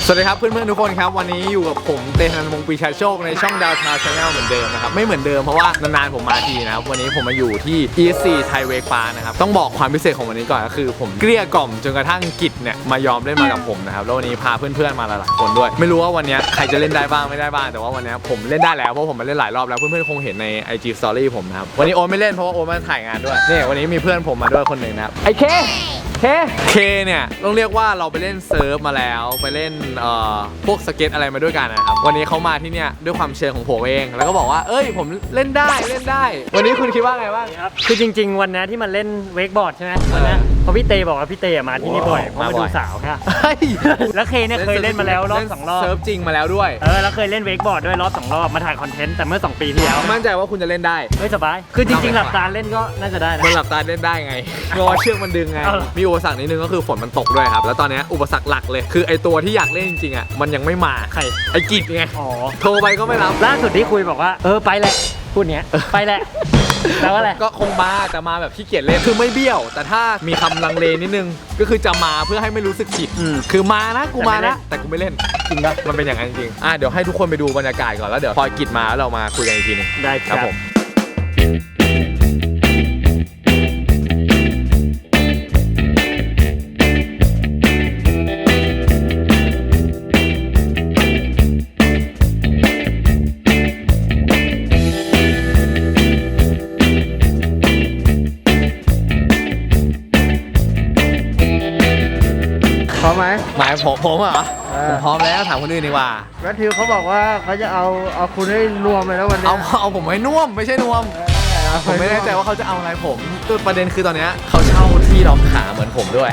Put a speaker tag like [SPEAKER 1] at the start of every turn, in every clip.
[SPEAKER 1] สวัสดีครับเพื่อนๆทุกคนครับวันนี้อยู่กับผมเตชันวงศ์ปีชาโชคในช่องดาวทาวชาแนลเหมือนเดิมนะครับไม่เหมือนเดิมเพราะว่านานๆผมมาทีนะครับวันนี้ผมมาอยู่ที่ ESC ไทยเวกปานะครับต้องบอกความพิเศษของวันนี้ก่อนก็คือผมเกลี้ยกล่อมจนกระทั่งกิจเนี่ยมายอมเล่นมากับผมนะครับแล้ววันนี้พาเพื่อนๆมาหลายๆคนด้วยไม่รู้ว่าวันนี้ใครจะเล่นได้บ้างไม่ได้บ้างแต่ว่าวันนี้ผมเล่นได้แล้วเพราะผมมาเล่นหลายรอบแล้วเพื่อนๆคงเห็นใน IG Story ผมนะครับวันนี้โอ๊ตไม่เล่นเพราะว่าโอ๊ตมาถ่ายงานด้วยนี่วันนี้มีเพื่อนผมมาด้วยคนหนึ่งนะครับไอ้เคเนี่ยต้องเรียกว่าเราไปเล่นเซิร์ฟมาแล้วไปเล่นพวกสเก็ตอะไรมาด้วยกันนะครับวันนี้เขามาที่เนี่ยด้วยความเชิญของผมเองแล้วก็บอกว่าเอ้ยผมเล่นได้วันนี้คุณคิดว่าไงบ้าง
[SPEAKER 2] ครับคือจริงๆวันนี้ที่มันเล่นเวกบอร์ดใช่ไหมวันนี้เพราะพี่เตบอกว่าพี่เตมาที่นี่บ่อยเพราะมาดูสาวค่ะแล้วเคเนี่ยเคยเล่นมาแล้วรอบ2 รอบ
[SPEAKER 1] เซิร์ฟจริงมาแล้วด้วย
[SPEAKER 2] แล้วเคยเล่นเวกบอร์ดด้วยรอบ2 รอบมาถ่ายคอนเทนต์แต่เมื่อ2 ปีที่แล้ว
[SPEAKER 1] มั่นใจว่าคุณจะเล่นได้
[SPEAKER 2] ไม่สบายคือจริงๆหลับตาเล่นก็น่าจะได้นะ
[SPEAKER 1] มันหลับตาเล่นได้ไงเพราะว่าเชือกมันดึงไงมีอุปสรรคนิดนึงก็คือฝนมันตกด้วยครับแล้วตอนนี้อุปสรรคหลักเลยคือไอตัวที่อยากเล่นจริงๆอ่ะมันยังไม่มา
[SPEAKER 2] ใคร
[SPEAKER 1] ไอกิจไงโทรไปก็ไม่รับ
[SPEAKER 2] ล่าสุดที่คุยบอกว่าไปแหละพูดเนี้ยไปแหละแล้วอะไร
[SPEAKER 1] ก็คงมาแต่มาแบบขี้เกียจเล่นคือไม่เบี้ยวแต่ถ้ามีคำลังเลนิดนึงก็คือจะมาเพื่อให้ไม่รู้สึกผิดคือมานะกูมานะแต่กูไม่เล่นจริงปะมันเป็นอย่างนั้นจริงเดี๋ยวให้ทุกคนไปดูบรรยากาศก่อนแล้วเดี๋ยวพอกิจมาแล้วเรามาคุยกันอีกทีนึง
[SPEAKER 2] ได้ครับผม
[SPEAKER 3] พร้อมไหม
[SPEAKER 1] หมายผมเหรอผมพร้อมแล้วถามคนอื่นดีกว่า
[SPEAKER 3] แมทธิวเขาบอกว่าเขาจะเอาคุณให้รวมเลยแล้ววันนี้
[SPEAKER 1] เอาผมให้น่วมไม่ใช่นวมผมไม่แน่ใจว่าเขาจะเอาอะไรผมตัวประเด็นคือตอนนี้เขาเช่าที่ล็อกขาเหมือนผมด้วย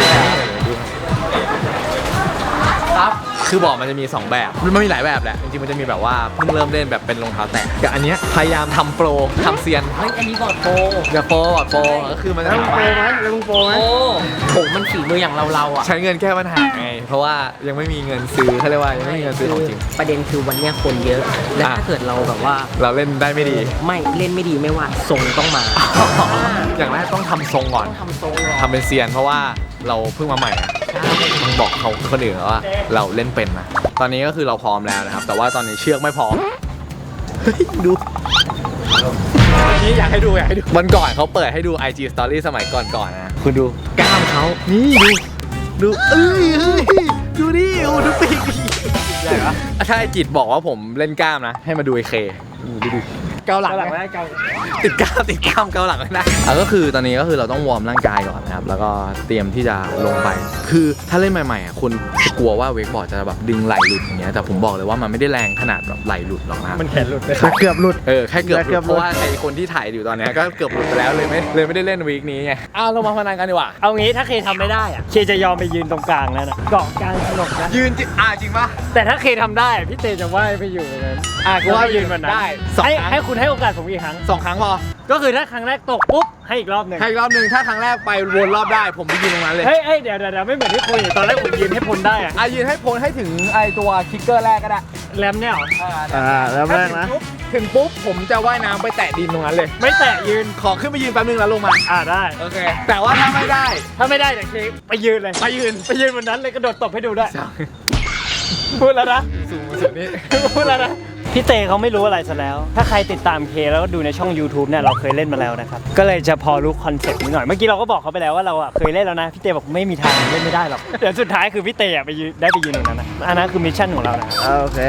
[SPEAKER 1] ครับคือบอกมันจะมี 2 แบบมันมีหลายแบบแหละจริงๆมันจะมีแบบว่าเพิ่งเริ่มเล่นแบบเป็นรองเท้าแตะกับอันนี้พยายามทำโปรทำเซียน
[SPEAKER 2] เฮ้ยอันนี้บอร์ดโปร
[SPEAKER 1] อย่าโปรก็คือมันจะ
[SPEAKER 3] แล้วโปรไหม
[SPEAKER 2] ผมมันฝีมืออย่างเราอ่ะ
[SPEAKER 1] ใช้เงินแก้ปัญหาไงเพราะว่ายังไม่มีเงินซื้อเขาเรียกว่ายังไม่มีเงินซื้อของจริง
[SPEAKER 2] ประเด็นคือวันนี้คนเยอะและถ้าเกิดเราแบบว่า
[SPEAKER 1] เราเล่นได้ไม่ดี
[SPEAKER 2] ไม่เล่นไม่ดีไม่ว่าทรงต้องมา
[SPEAKER 1] อย่างแรกต้องทำทรงก่อนทำเป็นเซียนเพราะว่าเราเพิ่งมาใหม่ต้องบอกเขาคนอื่นว่าเราเล่นเป็นนะตอนนี้ก็คือเราพร้อมแล้วนะครับแต่ว่าตอนนี้เชือกไม่พร้อมดูนี่อยากให้ดูวันก่อนเขาเปิดให้ดู IG Story สมัยก่อนนะคุณดูกล้ามเขานี่ดูดูดิดูปีกใหญ่ปะถ้าไอกิจบอกว่าผมเล่นกล้ามนะให้มาดูไอเคดูเกาหลังไม่ได้ติดกล้ามเกาหลังไม่ได้ก็คือตอนนี้ก็คือเราต้องวอร์มร่างกายก่อนนะครับแล้วก็เตรียมที่จะลงไปคือถ้าเล่นใหม่ๆคุณจะกลัวว่าเวกบอร์ดจะแบบดึงไหล่หลุดอย่างเงี้ยแต่ผมบอกเลยว่ามันไม่ได้แรงขนาดแบบไหล่หลุดหรอกนะ
[SPEAKER 2] มันแขนหลุด
[SPEAKER 3] เกือบหลุด
[SPEAKER 1] แค่เกือบหลุดเพราะว่าไอคนที่ถ่ายอยู่ตอนนี้ก็เกือบหลุดไปแล้วเลยไม่ได้เล่นวีคนี้ไงเรามาพนันกันดีกว่า
[SPEAKER 2] เอางี้ถ้าเคทำไม่ได้อะเคจะยอมไปยืนตรงกลางแล้วนะเกาะกลางถนนนะ
[SPEAKER 1] ยืนจริงปะ
[SPEAKER 2] แต่ถ้าเคทำได้พี่เตจะว่ายไปอยู่เลย
[SPEAKER 1] กูว่ายืนมันได้
[SPEAKER 2] ให้คุณให้โอกาสผมอีกครั้ง
[SPEAKER 1] 2 ครั้งพอ
[SPEAKER 2] ก็คือถ้าครั้งแรกตกปุ๊บให้อีกรอบหนึ่ง
[SPEAKER 1] ถ้าครั้งแรกไปวนรอบได้ผมไปยืนตรงนั้นเลย
[SPEAKER 2] เฮ้ยเดี๋ยวไม่เหมือนที่คุยตอนแรกผมยืนให้พ้นได้
[SPEAKER 1] ยืนให้พ้นให้ถึงไอตัวคิกเกอร์แรกก็ได้
[SPEAKER 2] แรมเนี่ย
[SPEAKER 3] แรมแรกนะ
[SPEAKER 1] ถึงปุ๊บผมจะว่ายน้ำไปแตะดินตรงนั้นเลย
[SPEAKER 2] ไม่แตะยืน
[SPEAKER 1] ขอขึ้นไปยืนแป๊บนึงแล้วลงมา
[SPEAKER 2] ได้
[SPEAKER 1] โอเคแต่ว่าถ้าไม่ได้
[SPEAKER 2] แต่เคไปยืนเลยไปยืนบนนั้นเลยกระโดดตบให้ดูด้วยพูดแล้วนะ
[SPEAKER 1] สูงสุดนี้
[SPEAKER 2] พูดแล้วนะพี่เตเขาไม่รู้อะไรซะแล้วถ้าใครติดตามเคแล้วก็ดูในช่อง YouTube เนี่ยเราเคยเล่นมาแล้วนะครับก็เลยจะพอรู้คอนเซ็ปต์นิดหน่อยเมื่อกี้เราก็บอกเขาไปแล้วว่าเราเคยเล่นแล้วนะพี่เตบอกไม่มีทางเล่นไม่ได้หรอกเดี๋ยวสุดท้ายคือพี่เตไปยืนตรงนั้นนะอันนั้นคือมิชชั่นของเรานะ
[SPEAKER 3] โอเค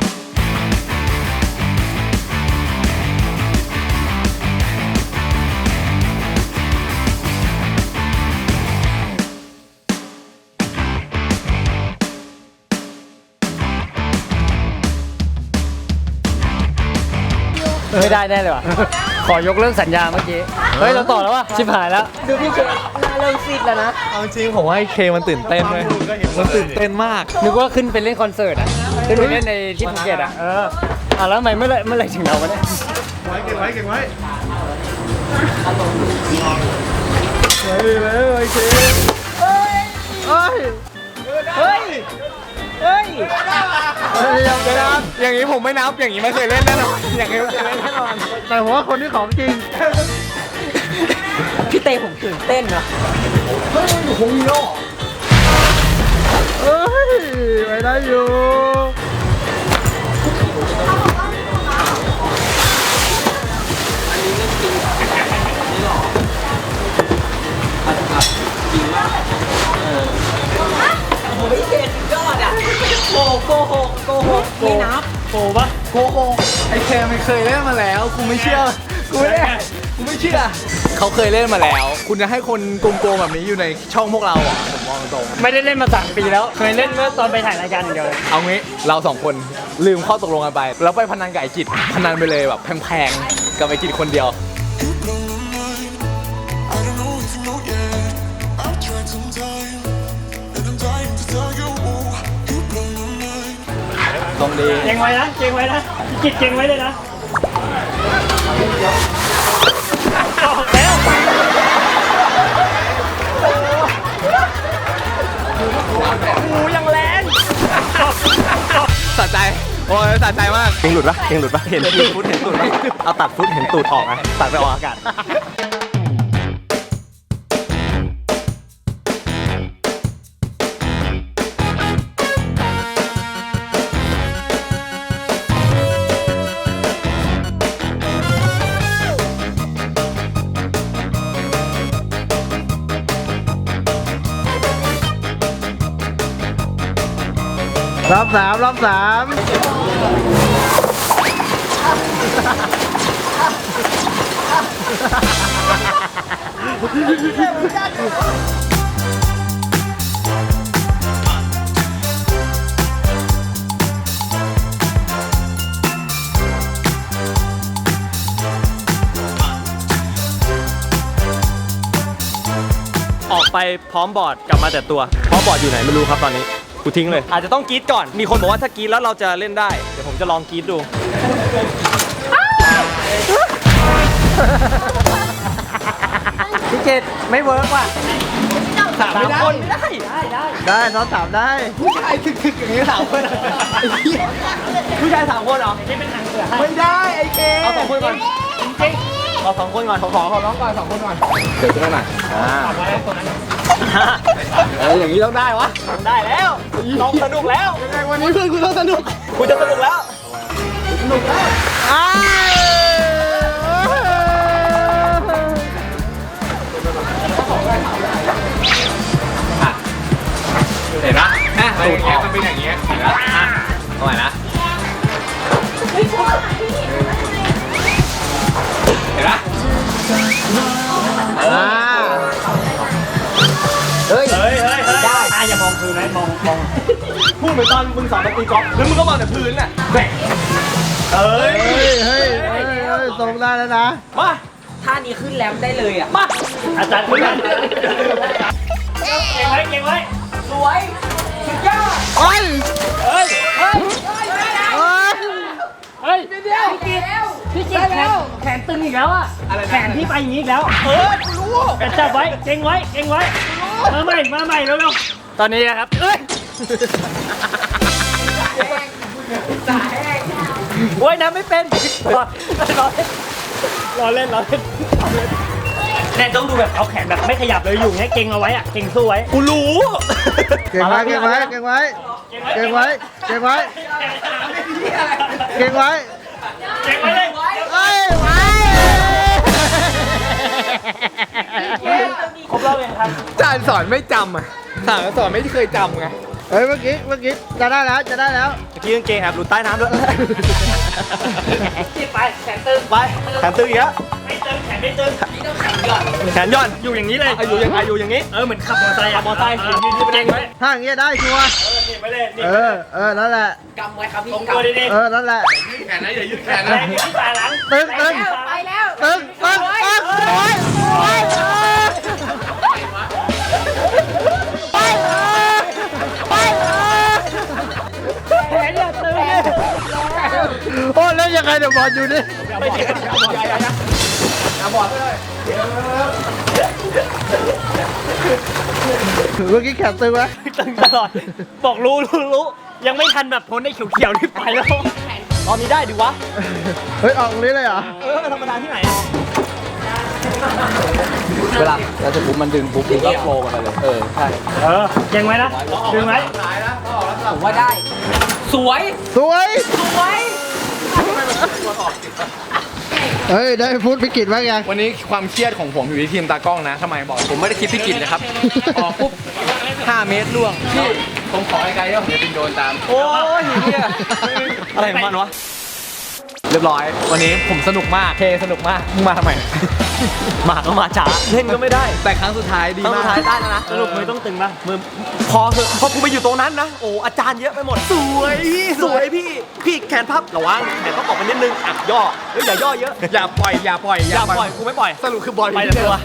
[SPEAKER 2] ไม่ได้แน่เลยว่ะขอยกเลิกสัญญาเมื่อกี้เฮ้ยเราต่อแล้วว่ะชิบหายแล้วดูพี่เคเริ่มซีดแล้วนะ
[SPEAKER 1] เอาจริงผมว่าเคมันตื่นเต้นเลยมันตื่นเต้นมาก
[SPEAKER 2] นึกว่าขึ้นไปเล่นคอนเสิร์ตขึ้นไปเล่นในที่ภูเก็ตแล้วทำไมเมื่อไรถึงเราวะเนี่ย
[SPEAKER 3] เก่งไว้ไว้โอเค
[SPEAKER 2] เฮ้ย
[SPEAKER 1] อย่างนี้ผมไม่นับอย่างนี้ไม่เคยเล่นแน่นอนอย่างนี้ไม่เคยเล่นแน่นอน
[SPEAKER 3] แต่ผมว่าคนที่ของจริง
[SPEAKER 2] พี่เต้ผมตื่นเต้นนะ
[SPEAKER 1] เฮ้ยโอ้โห
[SPEAKER 3] เฮ้ยไปได้อยู่
[SPEAKER 2] ไม่นับโกปะ
[SPEAKER 1] โกหกไอเคมันเคยเล่นมาแล้วกูไม่เชื่อกูไม่เชื่อเขาเคยเล่นมาแล้ว คุณจะให้คนโกงๆแบบนี้อยู่ในช่องพวกเราอ่ะผมมองตรง
[SPEAKER 2] ไม่ได้เล่นมา3 ปีแล้ว เคยเล่นเมื่อตอนไปถ่ายรายการอย่างเดียวเลย
[SPEAKER 1] เอางี้เราสองคนลืมข้อตกลงกันไป แล้วไปพนันกับไอกิจพนันไปเลยแบบแพงๆกับไอกิจคนเดียว
[SPEAKER 4] I don't know if you know yet. I've tried some time, and I'm dying to tell you. You blow my mind.
[SPEAKER 1] ตรงดี
[SPEAKER 2] เก่งไว้นะพี่กิจเก่งไว้เลยนะออกแล้ว งูยังแรง
[SPEAKER 1] สะใจโอ้ยสะใจมาก
[SPEAKER 2] เก่งหลุดปะเห็นฟุตปะเอาตัดฟุตเห็นตูดออกนะตัดไปออกอากาศ
[SPEAKER 3] รอบสาม
[SPEAKER 2] ออกไปพร้อมบอร์ดกลับมาแต่ตัวพร้อมบอร์ดอยู่ไหนไม่รู้ครับตอนนี้กูทิ้งเลย อาจจะต้องกรี๊ดก่อนมีคนบอกว่าถ้ากรี๊ดแล้วเราจะเล่นได้เดี๋ยวผมจะลองกรี๊ดดูพี่เกดไม่เวิร์กว่ะ3 คนไม่ได้
[SPEAKER 3] ได้น้องถามได้
[SPEAKER 1] ผู้ชายคึกๆอย่างนี้3 คนผู้ชาย3 คนเหรอ
[SPEAKER 2] นี่เป็นทางเสือให้
[SPEAKER 1] ไม่ได้ไอเคเอา2 คนก่อน
[SPEAKER 2] จริงเอา2 คนก่อน
[SPEAKER 1] ขอน้องก่อน2 คนก่อนเดี๋ยวขึ้นมาหน่อย
[SPEAKER 2] ฝากไว้ตัวนั้น
[SPEAKER 1] อย่างนี้ต้องได้วะ
[SPEAKER 2] ได้แล้วน้องสนุกแล้ว
[SPEAKER 1] ยังไงวันนี้เพื่อนคุณต้องสนุก
[SPEAKER 2] กูจะสนุกแล้ว
[SPEAKER 3] อ้าว
[SPEAKER 1] เห็นปะตูดออกมันเป็นอย่างเงี้ยเห็นปะเอาใหม่นะเห็นปะ
[SPEAKER 3] เฮ้ย
[SPEAKER 2] ได้อย่ามองพื้นนะมองพูดเหมือนตอนมึงสอนตีกอล์ฟ
[SPEAKER 1] แล้วมึงก็มองแต่พื้นน่ะ
[SPEAKER 2] เอ้ย
[SPEAKER 3] เฮ้ยส่งได้แล้วนะ
[SPEAKER 2] มา
[SPEAKER 5] ท่านี้ขึ้นแรมได้เลยอ่ะ
[SPEAKER 2] มาอาจารย์คุณเก่งไว้
[SPEAKER 5] สวยสุดยอด
[SPEAKER 3] เฮ้ย
[SPEAKER 2] เฮ้ย พี่กิ๊กแขนตึงอีกแล้วอ่ะแขนที่ไปอย่างนี้อีกแล้วกูรู้แต่จับไว้เก่งไว้มาใหม่เร็วๆตอนนี้นะครับเอ้ยโอ้ยน้ำไม่เป็นรอเล่นแน่ต้องดูแบบเอาแขนแบบไม่ขยับเลยอยู่เงี้ยเก่งเอาไว้อะเก่งสู้ไว้กูรู้
[SPEAKER 3] เก่งไว้
[SPEAKER 2] เลย
[SPEAKER 3] เฮ้ยไว้
[SPEAKER 2] ครบรอบเองครับ
[SPEAKER 1] อาจารย์สอนไม่จำอ่ะสอนไม่เคยจำไง
[SPEAKER 3] เฮ้ยเมื่อกี้จะได้แล้ว
[SPEAKER 2] เมื่อกี้กางเกงแอบหลุดใต้น้ำด้วยไปแขนตึงไปแขนตึงอีกแล้วไม่ตึงแขนไม่ตึงแขนย่อนอยู่อย่างนี้เลยอยู่อย่างนี้เหมือนขับมอเตอร์ไซค์ยืนเก่งไว้
[SPEAKER 3] ถ้าอย่างเงี้ยได้ชัวร์
[SPEAKER 2] นี่ไปเลย
[SPEAKER 3] นั่นแหละ
[SPEAKER 5] กำไว้ครับพี่
[SPEAKER 2] ตรง
[SPEAKER 5] กำ
[SPEAKER 2] ตัวดี
[SPEAKER 3] นั่นแหละ
[SPEAKER 1] แขนนะอย่ายืดแขน
[SPEAKER 2] ๆ
[SPEAKER 1] นะ
[SPEAKER 2] แรงที่ตาหลัง
[SPEAKER 3] ตึง
[SPEAKER 5] ไปแล้ว
[SPEAKER 2] แขนอย่าตึง
[SPEAKER 3] โอ้เล่นยังไงเดี๋ยวบอลอยู่ดิ
[SPEAKER 2] ไม่เจ็บ
[SPEAKER 1] อย่าบอดเลย
[SPEAKER 3] เมื่อกี้แขนตึงไหม
[SPEAKER 2] ตึงตลอดบอกรู้ยังไม่ทันแบบพ้นไอ้เขียวๆนี่ไปแล้วตอนนี้ได้ดิวะ
[SPEAKER 3] เฮ้ยออกตรงนี้เลยเหรอ
[SPEAKER 2] ธรรมดาที่ไหน
[SPEAKER 1] เวลาเราจะปุ๊บมันดึงปุ๊บมันก็โฟล์กันไปเลยใช่
[SPEAKER 2] เก่งไว้นะดึงไว้
[SPEAKER 5] ผมว่าได้ สวย
[SPEAKER 3] สวย
[SPEAKER 5] สวย
[SPEAKER 3] เฮ้ย ได้พูดพิกิตบ้างยัง
[SPEAKER 1] วันนี้ความเครียดของผมอยู่ที่ทีมตากล้องนะทำไมบอกผมไม่ได้คิดพิกิจนะครับ ออกปุ๊บ5 เมตรล่วงพี่ผมขอไกลๆก็ผมจะบินโดนตามโอ้ยเนี่ยอะไรของมันวะเรียบร้อยวันนี้ผมสนุกมากเคสนุกมากมึงมาทำไม
[SPEAKER 2] มาก็มาช้าเล่นก็ไม่ได้
[SPEAKER 1] แต่ครั้งสุดท้ายดี
[SPEAKER 2] ต้อง
[SPEAKER 1] มา
[SPEAKER 2] สุ
[SPEAKER 1] ก
[SPEAKER 2] ดท้ายได้แล้วนะสรุปมือต้องตึงป่ะมือพอเถอะพอกูไปอยู่ตรงนั้นนะโอ้อาจารย์เยอะไปหมดสวยพี่แขนพับระวังแขนพับออกมานิดนึงอ่ะย่อเฮ้ยอย่าย่อเยอะ
[SPEAKER 1] อย่าปล่อยอย่าปล่อย
[SPEAKER 2] อย่าปล่อยกูไม่ปล่อย
[SPEAKER 1] สรุปคือบอล
[SPEAKER 2] ไปแต่ตัว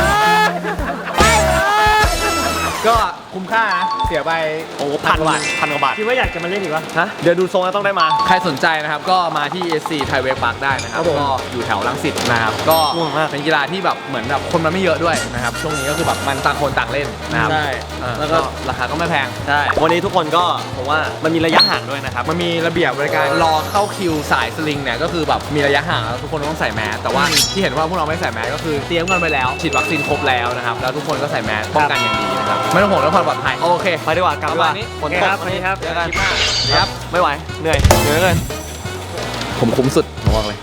[SPEAKER 1] ก็คุ้มค่านะเสียไป
[SPEAKER 2] โอ้พันกว่าบาทคิดว่าอยากจะมาเล่นอีกวะฮะเดี๋ยวดูทรงแล้วต้องได้มา
[SPEAKER 1] ใครสนใจนะครับก็มาที่ SC Thai Wave Park ได้นะครับ
[SPEAKER 2] ครับผม
[SPEAKER 1] ก็อยู่แถวรังสิตนะครับก็
[SPEAKER 2] ง่วงมาก
[SPEAKER 1] เป็นกีฬาที่แบบเหมือนแบบคนมันไม่เยอะด้วยนะครับช่วงนี้ก็คือแบบมันต่างคนต่างเล่นนะครับ
[SPEAKER 2] ใช่
[SPEAKER 1] แล้
[SPEAKER 2] แล้ว ว
[SPEAKER 1] ก็
[SPEAKER 2] ก็
[SPEAKER 1] ราคาก็ไม่แพง
[SPEAKER 2] ใช่วันนี้ทุกคนก็ผมว่ามันมีระยะห่างด้วยนะครับ
[SPEAKER 1] มันมีระเบียบบริการรอเข้าคิวสายสลิงเนี่ยก็คือแบบมีระยะห่างแล้วทุกคนต้องใส่แมสแต่ว่าที่เห็นว่าพวกเราไม่ใส่แมสก็คือเตรียมกันไปแล้วฉีดวัคซีนครบแล้วนะครับแล้วทุกคนก็ใส่แมสป้องกันอย่างดีนะครับไม่ต้องห่วงเรื่องความปลอดภัยโอเค
[SPEAKER 2] ไปดีกว่ากลับดีกว่า
[SPEAKER 1] ประมาณนี้
[SPEAKER 2] ฝนตกวันนี้ครับ
[SPEAKER 1] เจอกันคลิปหน้าครับ
[SPEAKER 2] ไม่ไหวเหนื่อยเกิน
[SPEAKER 1] ผมคุ้มสุดผมบอกเลย